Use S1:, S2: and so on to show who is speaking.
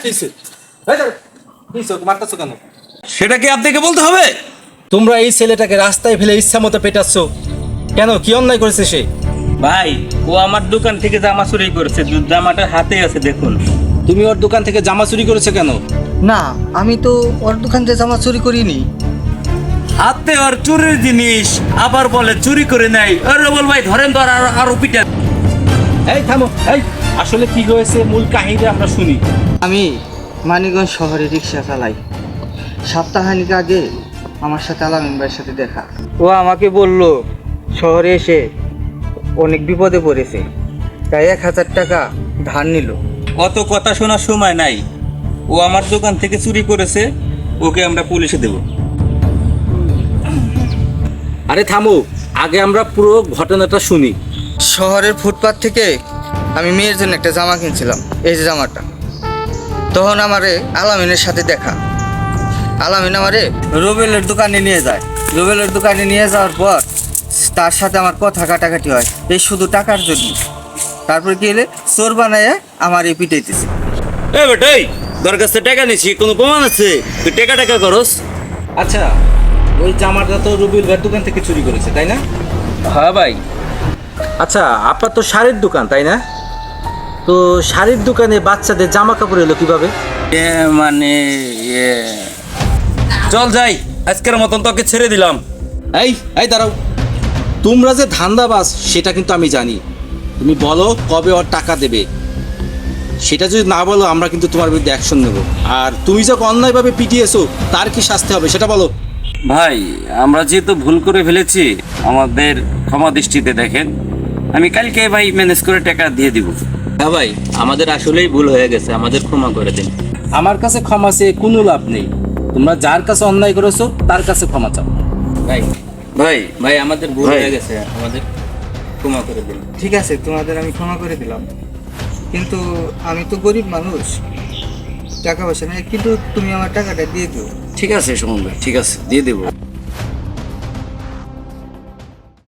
S1: মারতেছো কেন?
S2: সেটা কি আপনাকে বলতে হবে?
S1: তোমরা এই ছেলেটাকে রাস্তায় ফেলে ইচ্ছা মতো পেটাচ্ছ কেন? কি অন্যায় করেছে সে?
S2: ভাই, ও আমার দোকান থেকে জামা চুরি করেছে, জামাটা হাতে আছে দেখুন।
S1: তুমি ওর দোকান থেকে জামা চুরি করেছো কেন?
S3: না, আমি তো ওর দোকান থেকে জামা চুরি করিনি।
S2: হাতে আর চুরির জিনিস, আবার বলে চুরি করে নাই। আরে বল ভাই, ধরেন তো আর পিটা।
S1: এই থামো, এই আসলে কি হয়েছে মূল কাহিনী আমরা শুনি।
S3: আমি মানিকগঞ্জ শহরে রিক্সা চালাই। সপ্তাহখানিক আগে আমার সাথে আলামিন ভাইয়ের সাথে দেখা। ও আমাকে বলল শহরে এসে অনেক বিপদে পড়েছে, তাই 1000 টাকা ধার নিল।
S2: অত কথা শোনার সময় নাই। ও আমার দোকান থেকে চুরি করেছে, ওকে আমরা পুলিশে দেব।
S1: আরে থামো, আগে আমরা পুরো ঘটনাটা শুনি।
S3: শহরের ফুটপাত থেকে আমি মেয়ের জন্য একটা জামা কিনছিলাম, এই যে জামাটা। তখন আমারে আলামিনের সাথে দেখা। আলামিন আমারে রুবেলের দোকানে নিয়ে যায়। রুবেলের দোকানে নিয়ে যাওয়ার পর তার সাথে আমার কথা কাটাকাটি হয়, এই শুধু টাকার জন্য। তারপর কি হলে চোর বানায় আমার এই পিটাইতেছে।
S2: এ বেটাই, তোর কাছে টাকা নিছি, কোনো প্রমাণ আছে? তুই টাকা করস?
S1: আচ্ছা, ওই জামাটা তো রুবিল ভাইয়ের দোকান থেকে চুরি করেছে, তাই না?
S2: হ্যাঁ ভাই।
S1: আচ্ছা, আপনার তো শাড়ির দোকান, তাই না? তো শাড়ির দোকানে বাচ্চাদের জামা কাপড় এলো কিভাবে?
S2: মানে চল যাই, আজকের মতন তোকে ছেড়ে দিলাম।
S1: এই এই দাঁড়াও, তোমরা যে ধান্দাবাজ সেটা কিন্তু আমি জানি। তুমি বলো কবে ওর টাকা দেবে। সেটা যদি না বলো আমরা কিন্তু তোমার বিরুদ্ধে অ্যাকশন নেব। আর তুমি যখন অন্যায়ভাবে পিটিয়েছো তার কি শাস্তি হবে সেটা বলো।
S2: ভাই, আমরা যেহেতু ভুল করে ফেলেছি, আমাদের ক্ষমা দৃষ্টিতে দেখেন। আমি কালকে ভাই ম্যানেজ করে টাকা দিয়ে দিব।
S4: হ্যাঁ ভাই, আমাদের আসলেই ভুল হয়ে গেছে, আমাদের ক্ষমা করে দিন।
S1: আমার কাছে ক্ষমা চেয়ে কোনো লাভ নেই। তোমরা যার কাছে অন্যায় করেছো তার কাছে ক্ষমা চাও।
S4: ভাই
S2: ভাই
S4: ভাই আমাদের ভুল
S2: ভাই।
S4: হয়ে গেছে, আমাদের ক্ষমা করে দিন।
S3: ঠিক আছে, তোমাদের আমি ক্ষমা করে দিলাম, কিন্তু আমি তো গরিব মানুষ, টাকা পয়সা নেই, কিন্তু তুমি আমার টাকাটা দিয়ে দিও।
S2: ঠিক আছে সুমন ভাই, ঠিক আছে দিয়ে দেবো।